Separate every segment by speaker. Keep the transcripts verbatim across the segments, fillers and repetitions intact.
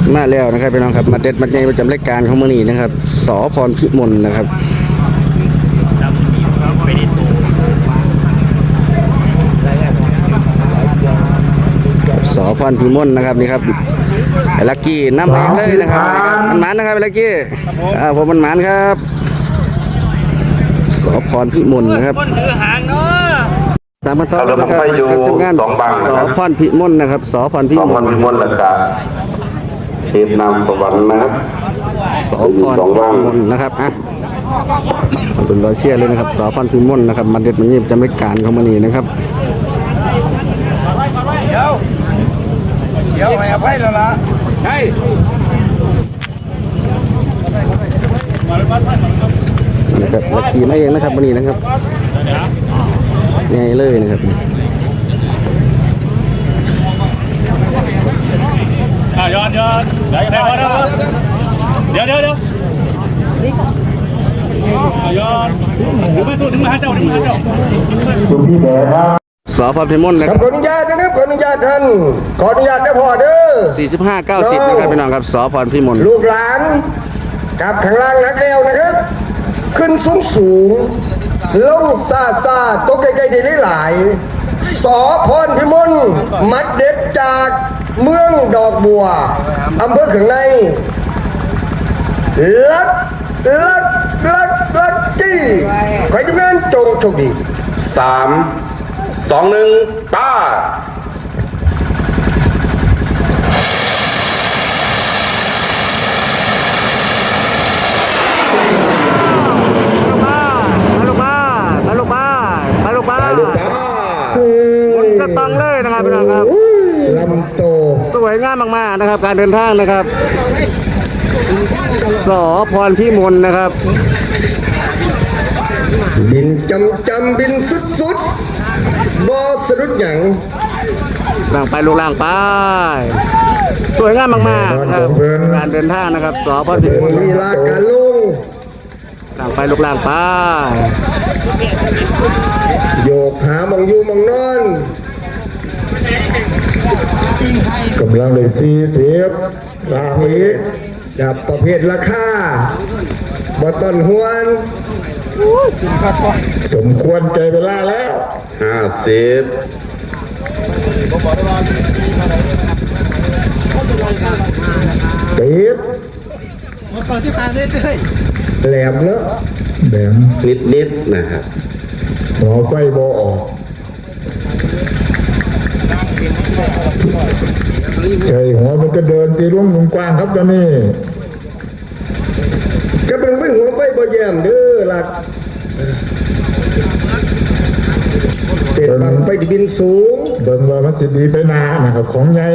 Speaker 1: มาแล้วนะครับพี่น้องครับมาเด็ดมาในประจำรายการของมื้อนี้นะครับสอพรพิมลนะครับสอพรพิมลนะครับนี่ครับไอ้ลักกี้น้ำเองเลยนะครับมันหมานนะครับไอ้ลักกี้อ่าผมมันหมานครับสอพรพิมลนะครับตามมาต่อนะครับการทำงานสอพรพิมลนะครับสอพรพิมล
Speaker 2: พิมลและกาเทพนามสวรรค์นะครับ
Speaker 1: สอพรพิมลนะครับอ่ะเป็นรอยเชี่ยเลยนะครับสอพรพิมลนะครับมาเด็ดมันนี่จำรายการของมันนี่นะครับ
Speaker 3: เดี๋ยวเดี๋ยวให้อภัยแล้วล่ะใช่
Speaker 1: นะครับลักกี้มาเองนะครับวันนี้นะครับง่ายเลยนะครับ
Speaker 3: ย้อนย้อนเดี๋ยวเดี๋ยวเดี๋ยวเดี๋ยวย้อนถึงมาตัวถึงมาเจ้าถึงมาเจ้า
Speaker 2: คุณพี่แดงครับ
Speaker 1: สอพรพิมลนะครับ
Speaker 4: ขออนุญาตนะครับขออนุญาตท่านขออนุญาตได้พอเด้อ
Speaker 1: สี่สิบห้า เก้าสิบนะครับพี่น้องครับสอพรพิมล
Speaker 4: ลูกหลานกับข้างล่างนักแล้วนะครับขึ้นสูงสูงลงซาซาตกใกล้ๆได้หลายสอพรพิมลมัดเด็ดจากเมืองดอกบัวอำเภอเขืองในลักลักลักลักกี้ใครจะงานจงโชคดี
Speaker 2: สามสองหนึ่งป้า
Speaker 1: มาลูกบ้ามาลูกบ้ามาลูกบ้ามาลูกบ้าหมุนกระตังเลยนะครับพี่น้องครับ
Speaker 4: ลำโต
Speaker 1: สวยงามมากๆนะครับการเดินทางนะครับสอพรพิมลนะครับ
Speaker 4: บินจำจำบินสุดสุดบอสรุดหยัง
Speaker 1: ล่างไปลูกล่างไปสวยงามมากๆครับการเดินทางนะครับสอพรพิมล
Speaker 4: ลีลาการลง
Speaker 1: ล่างไปลูกล่างไป
Speaker 4: โยกหามองอยู่มองนอนกำลังเลยสี่สิบราหีดับประเภทราคาบอต้นหวนสมควรใจเวลาแล้ว
Speaker 2: ห้าสิบ
Speaker 4: ติดก่อนที่ผ่านเลยเลยแหลมเลอะแหลม
Speaker 2: นิดนิดนะครับ
Speaker 4: หัวไฟโบออกใช่หัวมันก็เดินตีร่วงมุมกว้างครับตอนนี้ก็เป็นไม่หัวไฟโบแยมเด้อหลักเป็นบังไฟที่บินสูงเบิ่งว่ามันจะดีไปนานนะครับของใหญ่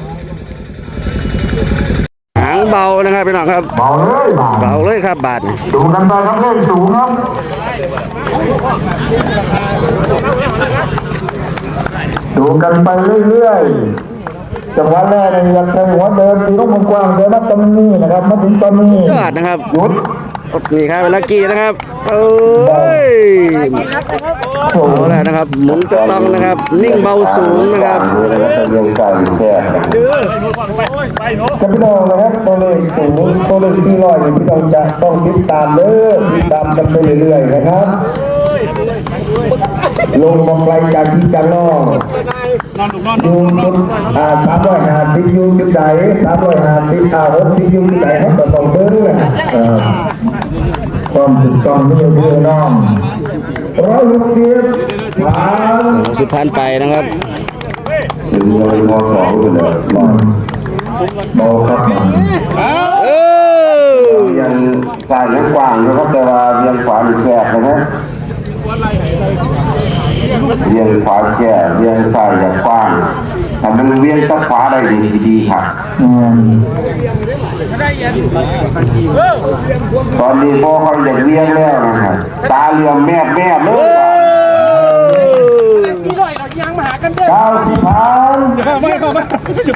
Speaker 1: หางเบานะครับพี่น้องครับ
Speaker 4: เบาเลย
Speaker 1: เบาเลยครับบาท
Speaker 4: ดูกันไปครับเล่นสูงครับดูกันไปเรื่อยๆจังหวะแรกเนี่ยอยากใช้หัวเดินตีลูกมุมกว้างเดินมาตรงนี้นะครับมาถึงตอนนี้
Speaker 1: ยอดนะครับ
Speaker 4: หยุด
Speaker 1: นี่ครับเวลากี้นะครับเอ้ยเอาแล้วนะครับหมุนตัวต้องนะครับนิ่งเบาสูงนะครับ
Speaker 4: จะพี่น้องนะครับตัวเลขสูงตัวเลขที่ร้อยพี่น้องจะต้องติดตามเด้อติดตามกันไปเรื่อยๆนะครับลงมองไกลจากที่จังนอกยูจุดอ่าสามร้อยห้าสิบยูจุดไหนสามร้อยห้าสิบอ่าหกสิบยูจุดไหนเขาจะต้องเบิ้งนะความถูกต้องไม่เยอะน้องร้อยลูกเดียบผ่าน
Speaker 1: สิบพันไปนะครับ
Speaker 2: ถึงเลยมอสองเลยมอมอครับยังสายยังกว้างนะครับแต่ว่ายังขวาหรือแคบนะครับเวียงขวาแก่เวียงซ้ายอย่างกว้างแต่มันเวียงซ้ายขวาได้ดีดีครับตอนนี้พ่อเขาอยากเวียงแล้วนะครับตาเหลี่ยมแมบแมบเลยสี่ร้อยเราย่างมาเก้าสิบพัน
Speaker 3: ไม่เข้ามา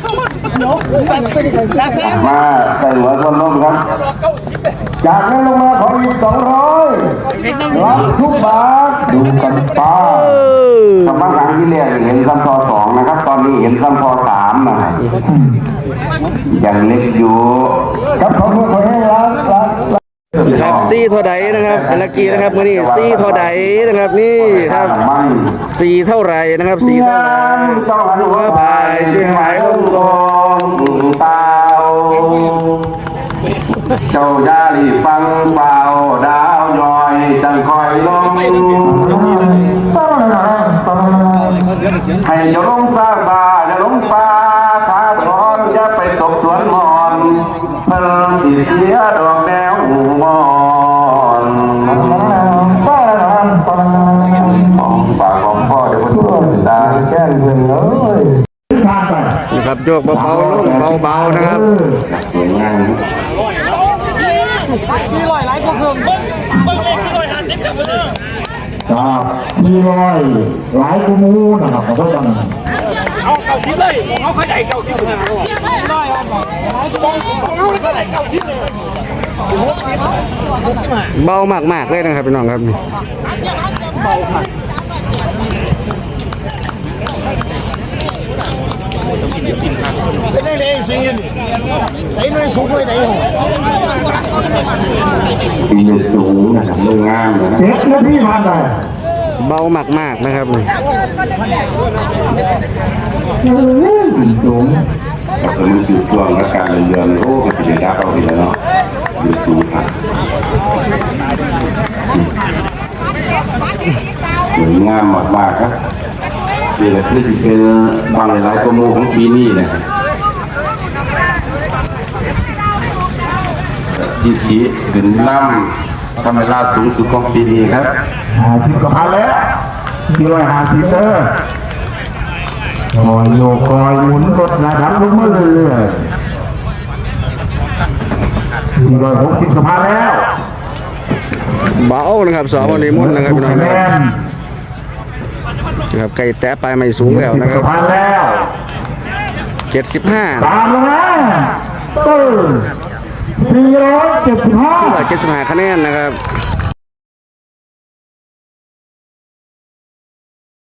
Speaker 2: มาใส่หัวคนล้มครับจากนั้นลงมาขออีกสองร้อยรับทุกบาทดูกันป้าสำนักงานที่เรียกเห็นซ้ำพอสองนะครับ ตอนนี้เห็นซ้ำพอสามนะครับยังเล็กอยู่ครับขอบคุณขอให้รักรัก
Speaker 1: ครับซี่เท่าใดนะครับเอลักกี้นะครับมื้อนี้ซี่เท่าใดนะครับนี่ครับสี่เท่าไหรนะครับสี่เท่าไหรหัวพายจึงหายลงลง
Speaker 2: เปล่าเจ้ายาลีฟังเปล่าดาวย้อยจังคอยลงให้เจ้าลงซาซาจะลงฟ้าพาถอนจะไปตกสวนมอนเพิ่มสิเสียดอกแนวหูมอนของปากของพ่อเดี๋ยวมันช่วยตาแก้งเพื่อนเลย
Speaker 1: นะครับโยกเบาๆลงเบาๆนะครับ
Speaker 2: สวยงาม
Speaker 3: สี่ร้อยหลายก็เพิ่มเบิ้งเบิ้งเลขสี่ร้อยห้าสิบกับเบิ้ง
Speaker 5: ครับมีรอยหลายกูมูนะครับขอโทษกัน
Speaker 3: เอาเก้าสิบเลยเอาขยายเก้าสิบห้าร้อยเอาเท่าไหร่เก้าสิบเลยหกสิบหกสิบห้า
Speaker 1: เบามากๆเลยนะครับพี่น้องครับนี่
Speaker 3: เป็นได้เลยสิใส่หน่วยสูงหน่วยไหนหรอ
Speaker 2: ปีนสูงนะครับเรื่องงามเลยนะ
Speaker 5: เอ็กแล้วพี่ผ่านไป
Speaker 1: เบามากๆนะครับนี่
Speaker 5: สูง
Speaker 2: แต่มันอยู่ช่วงและการเรียนโอ้ก็จะได้รับเอาไปแล้วเนาะอยู่สูงครับสวยงามมากๆครับนี่แหละนี่เป็นบางหลายๆตัวมูของปีนี้นะครับที่ที่ขึ้นน้ำทำเวลาสูงสุดของปีนี้ครับ
Speaker 5: หาสิบกับพันแล้วมีรอยหาสิบเตอร์คอยโยกคอยหมุนรถระดับลงมาเรื่อยๆมีรอยหกสิบกับพันแล้ว
Speaker 1: เบานะครับสอวันนี้มุ่นนะครับพี่น้อง
Speaker 5: คะแน
Speaker 1: นะครับ
Speaker 5: น
Speaker 1: นะครับไก่แตะปลายไม่สูงแล้วนะค
Speaker 5: กั
Speaker 1: รั
Speaker 5: บบ พันแล้ว
Speaker 1: เจ็ดสิบห้า
Speaker 5: ตามแล้วนะตื้อสี่ร้อยเจ็ดสิบห้า
Speaker 1: สี่ร้อยเจ็ดสิบห้าคะแนนนะครับ